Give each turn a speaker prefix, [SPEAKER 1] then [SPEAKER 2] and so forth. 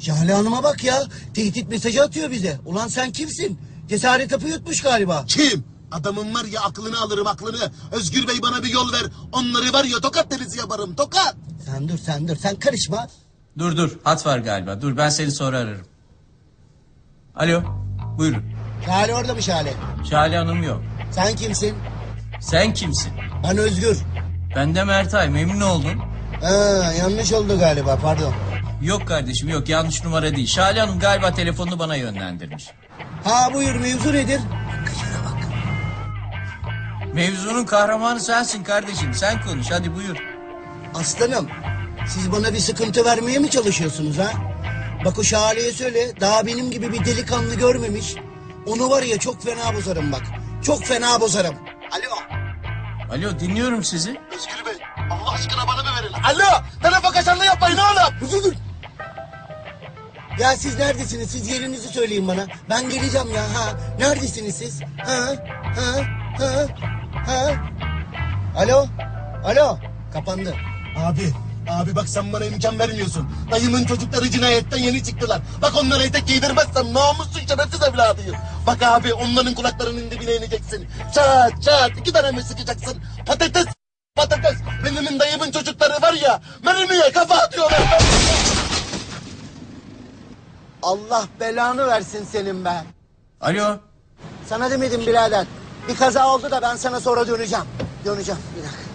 [SPEAKER 1] Jale Hanım'a bak ya. Tehdit mesajı atıyor bize. Ulan sen kimsin? Cesaret hapı yutmuş galiba.
[SPEAKER 2] Kim? Adamın var ya aklını alırım aklını. Özgür Bey bana bir yol ver. Onları var ya tokat denizi yaparım tokat.
[SPEAKER 1] Sen dur sen karışma.
[SPEAKER 3] Dur hat var galiba. Dur ben seni sonra ararım. Alo buyurun.
[SPEAKER 1] Jale orada mı Jale?
[SPEAKER 3] Şale Hanım yok.
[SPEAKER 1] Sen kimsin?
[SPEAKER 3] Sen kimsin?
[SPEAKER 1] Ben Özgür.
[SPEAKER 3] Ben de Mertay, memnun oldum.
[SPEAKER 1] Ha, yanlış oldu galiba, pardon.
[SPEAKER 3] Yok kardeşim yok, yanlış numara değil. Şale Hanım galiba telefonunu bana yönlendirmiş.
[SPEAKER 1] Ha buyur, mevzu nedir?
[SPEAKER 3] Mevzunun kahramanı sensin kardeşim, sen konuş hadi buyur.
[SPEAKER 1] Aslanım, siz bana bir sıkıntı vermeye mi çalışıyorsunuz ha? Bak o Şale'ye söyle, daha benim gibi bir delikanlı görmemiş. Onu var ya çok fena bozarım bak. Çok fena bozarım. Alo.
[SPEAKER 3] Alo dinliyorum sizi.
[SPEAKER 2] Özgür Bey Allah aşkına bana bir verin. Alo telefon kaçanlığı yapmayın oğlum.
[SPEAKER 1] Dur. Ya siz neredesiniz? Siz yerinizi söyleyin bana. Ben geleceğim ya. Ha, neredesiniz siz? Ha. Alo. Kapandı.
[SPEAKER 2] Abi bak sen bana imkan vermiyorsun. Dayımın çocukları cinayetten yeni çıktılar. Bak onlara etek giydirmezsen namussuz şerefsiz evladıyım. Bak abi onların kulaklarının dibine ineceksin. Çat 2 tane mi sıkacaksın? Patates. Benim dayımın çocukları var ya mermiye kafa atıyorlar.
[SPEAKER 1] Allah belanı versin senin be.
[SPEAKER 3] Alo.
[SPEAKER 1] Sana demedim birader. Bir kaza oldu da ben sana sonra döneceğim. Bir dakika.